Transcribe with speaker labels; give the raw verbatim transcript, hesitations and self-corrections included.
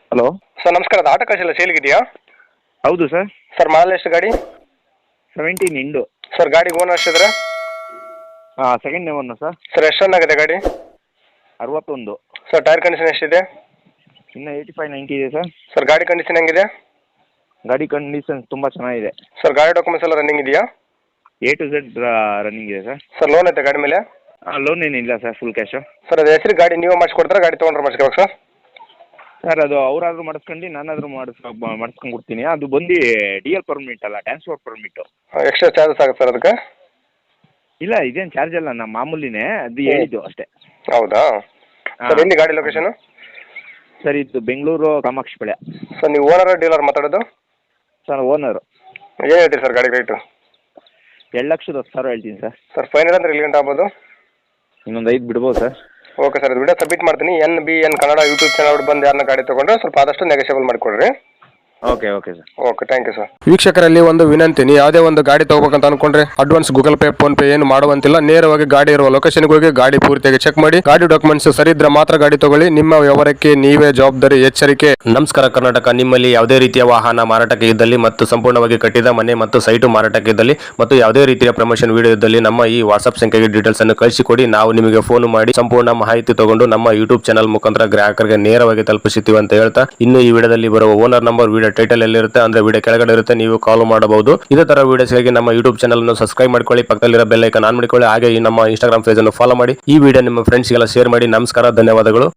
Speaker 1: Hello
Speaker 2: sir ನಮಸ್ಕಾರ, ಅದು auto ಕಾಶ್ ಎಲ್ಲ ಸೇಲ್ಗಿದೆಯಾ?
Speaker 1: ಹೌದು ಸರ್.
Speaker 2: ಸರ್ ಮಾಡಲ್ ಎಷ್ಟು ಗಾಡಿ?
Speaker 1: ಸೆವೆಂಟೀನ್ ಇಂಡು.
Speaker 2: ಸರ್ ಗಾಡಿ ಓನರ್ ಎಷ್ಟಿದ್ರೆ?
Speaker 1: ಹಾಂ, ಸೆಕೆಂಡ್ ಓನು ಸರ್.
Speaker 2: ಸರ್ ಎಷ್ಟು ರನ್ ಆಗಿದೆ ಗಾಡಿ?
Speaker 1: ಅರವತ್ತೊಂದು.
Speaker 2: ಸರ್ ಟೈರ್ ಕಂಡೀಷನ್ ಎಷ್ಟಿದೆ?
Speaker 1: ಇನ್ನು ಏಯ್ಟಿ ಫೈವ್ ನೈಂಟಿ ಇದೆ ಸರ್.
Speaker 2: ಸರ್ ಗಾಡಿ ಕಂಡೀಷನ್ ಹೆಂಗಿದೆ?
Speaker 1: ಗಾಡಿ ಕಂಡೀಷನ್ ತುಂಬ ಚೆನ್ನಾಗಿದೆ.
Speaker 2: ಸರ್ ಗಾಡಿ ಡಾಕ್ಯುಮೆಂಟ್ಸ್ ಎಲ್ಲ ರನ್ನಿಂಗ್ ಇದೆಯಾ?
Speaker 1: ಎ ಟು ಝೆಡ್ ರನ್ನಿಂಗ್ ಇದೆ ಸರ್.
Speaker 2: ಸರ್ ಲೋನ್ ಐತೆ ಗಾಡಿ ಮೇಲೆ?
Speaker 1: ಹಾಂ, ಲೋನ್ ಏನಿಲ್ಲ ಸರ್, ಫುಲ್ ಕ್ಯಾಶು.
Speaker 2: ಸರ್ ಅದು ಹೆಸರು ಗಾಡಿ ನೀವೇ ಮಾಡಿಸ್ಕೊಡ್ತಾರೆ, ಗಾಡಿ ತೊಗೊಂಡ್ರೆ ಮಾಡಿಸ್ಕೋಬೇಕು ಸರ್?
Speaker 1: ಸರ್ ಅದು ಅವರಾದ್ರೂ ಮಾಡಿಸ್ಕೊಂಡು ನಾನಾದರೂ ಮಾಡಿಸ್ ಮಾಡಿಸ್ಕೊಂಡು ಕೊಡ್ತೀನಿ. ಅದು ಬಂದು ಡಿ ಎಲ್ ಪರ್ಮಿಟ್ ಅಲ್ಲ, ಟ್ರಾನ್ಸ್ಪೋರ್ಟ್ ಪರ್ಮಿಟು.
Speaker 2: ಎಕ್ಸ್ಟ್ರಾ ಚಾರ್ಜಸ್ ಆಗುತ್ತೆ ಸರ್ ಅದಕ್ಕೆ?
Speaker 1: ಇಲ್ಲ, ಇದೇನು ಚಾರ್ಜ್ ಅಲ್ಲ, ನಮ್ಮ ಮಾಮೂಲಿನೇ, ಅದು ಹೇಳಿದ್ದು ಅಷ್ಟೇ.
Speaker 2: ಹೌದಾ ಸರ್? ಎಲ್ಲಿ ಗಾಡಿ ಲೊಕೇಶನು?
Speaker 1: ಸರ್ ಇದು ಬೆಂಗಳೂರು ಕಾಮಾಕ್ಷಿಪಾಳ್ಯ.
Speaker 2: ಸರ್ ನೀವು ಓನರ್ ಡೀಲರ್ ಮಾತಾಡೋದು?
Speaker 1: Sir owner.
Speaker 2: ಏನು ಹೇಳ್ತೀರಿ ಸರ್ ಗಾಡಿ ರೇಟು?
Speaker 1: ಎರಡು ಲಕ್ಷದ ಹತ್ತು ಸಾವಿರ ಹೇಳ್ತೀನಿ ಸರ್.
Speaker 2: ಸರ್ ಫೈನಲ್ ಅಂದ್ರೆ ಎಲ್ಲಿ ಗಂಟೆ ಆಗ್ಬೋದು?
Speaker 1: ಇನ್ನೊಂದು ಐದು ಬಿಡ್ಬೋದು ಸರ್.
Speaker 2: ಓಕೆ ಸರ್, ಇದು ವಿಡಿಯೋ ಸಬ್ಮಿಟ್ ಮಾಡ್ತೀನಿ. N B N Kannada YouTube channel ಬಂದು ಯಾರನ್ನ ಗಾಡಿ ತೊಗೊಂಡ್ರೆ ಸ್ವಲ್ಪ ಆದಷ್ಟು ನೆಗೋಷಿಯಬಲ್ ಮಾಡಿಕೊಡ್ರಿ.
Speaker 1: Okay okay sir.
Speaker 2: Okay, thank you sir. ವೀಕ್ಷಕರಲ್ಲಿ ಒಂದು ವಿನಂತಿ, ನೀವು ಯಾವುದೇ ಒಂದು ಗಾಡಿ ತಗೋಬೇಕಂತ ಅನ್ಕೊಂಡ್ರೆ advance Google Pay PhonePe ಏನು ಮಾಡುವಂತಿಲ್ಲ. ನೇರವಾಗಿ ಗಾಡಿ ಇರುವ ಲೊಕೇಶನ್ಗೆ ಹೋಗಿ ಗಾಡಿ ಪೂರ್ತಿಯಾಗಿ ಚೆಕ್ ಮಾಡಿ, ಗಾಡಿ ಡಾಕ್ಯುಮೆಂಟ್ಸ್ ಸರಿ ಇದ್ರೆ ಮಾತ್ರ ಗಾಡಿ ತಗೊಳ್ಳಿ. ನಿಮ್ಮ ವ್ಯವಹಾರಕ್ಕೆ ನೀವೇ ಜವಾಬ್ದಾರಿ. ಎಚ್ಚರಿಕೆ. ನಮಸ್ಕಾರ ಕರ್ನಾಟಕ. ನಿಮ್ಮಲ್ಲಿ ಯಾವುದೇ ರೀತಿಯ ವಾಹನ ಮಾರಾಟಕ್ಕೆ ಇದ್ದಲ್ಲಿ ಮತ್ತು ಸಂಪೂರ್ಣವಾಗಿ ಕಟ್ಟಿದ ಮನೆ ಮತ್ತು ಸೈಟು ಮಾರಾಟಕ್ಕೆ ಇದ್ದಲ್ಲಿ ಮತ್ತು ಯಾವುದೇ ರೀತಿಯ ಪ್ರಮೋಷನ್ ವಿಡಿಯೋ ಇದ್ದಲ್ಲಿ ನಮ್ಮ ಈ ವಾಟ್ಸ್ಆಪ್ ಸಂಖ್ಯೆಗೆ ಡೀಟೇಲ್ಸ್ ಅನ್ನು ಕಳಿಸಿಕೊಡಿ. ನಾವು ನಿಮಗೆ ಫೋನ್ ಮಾಡಿ ಸಂಪೂರ್ಣ ಮಾಹಿತಿ ತಗೊಂಡು ನಮ್ಮ ಯೂಟ್ಯೂಬ್ ಚಾನಲ್ ಮುಖಾಂತರ ಗ್ರಾಹಕರಿಗೆ ನೇರವಾಗಿ ತಲುಪಿಸುತ್ತೀವಿ ಅಂತ ಹೇಳ್ತಾ, ಇನ್ನು ಈ ವಿಡಿಯೋದಲ್ಲಿ ಬರುವ ಓನರ್ ನಂಬರ್ ವಿಡಿಯೋ ಟೈಟಲ್ ಎಲ್ಲಿರುತ್ತೆ ಅಂದ್ರೆ ವಿಡಿಯೋ ಕೆಳಗಡೆ ಇರುತ್ತೆ, ನೀವು ಕಾಲ್ ಮಾಡಬಹುದು. ಇದೇ ತರ ವಿಡಿಯೋಸ್ಗಾಗಿ ನಮ್ಮ ಯೂಟ್ಯೂಬ್ ಚಾನಲ್ ಅನ್ನು ಸಬ್ಸ್ಕ್ರೈಬ್ ಮಾಡ್ಕೊಳ್ಳಿ, ಪಕ್ಕದಲ್ಲಿರೋ ಬೆಲ್ ಐಕಾನ್ ಆನ್ ಮಾಡಿಕೊಳ್ಳಿ. ಹಾಗೆ ಈ ನಮ್ಮ ಇನ್ಸ್ಟಾಗ್ರಾಮ್ ಪೇಜ್ ಅನ್ನು ಫಾಲೋ ಮಾಡಿ. ಈ ವಿಡಿಯೋ ನಿಮ್ಮ ಫ್ರೆಂಡ್ಸ್ಗೆಲ್ಲ ಶೇರ್ ಮಾಡಿ. ನಮಸ್ಕಾರ, ಧನ್ಯವಾದಗಳು.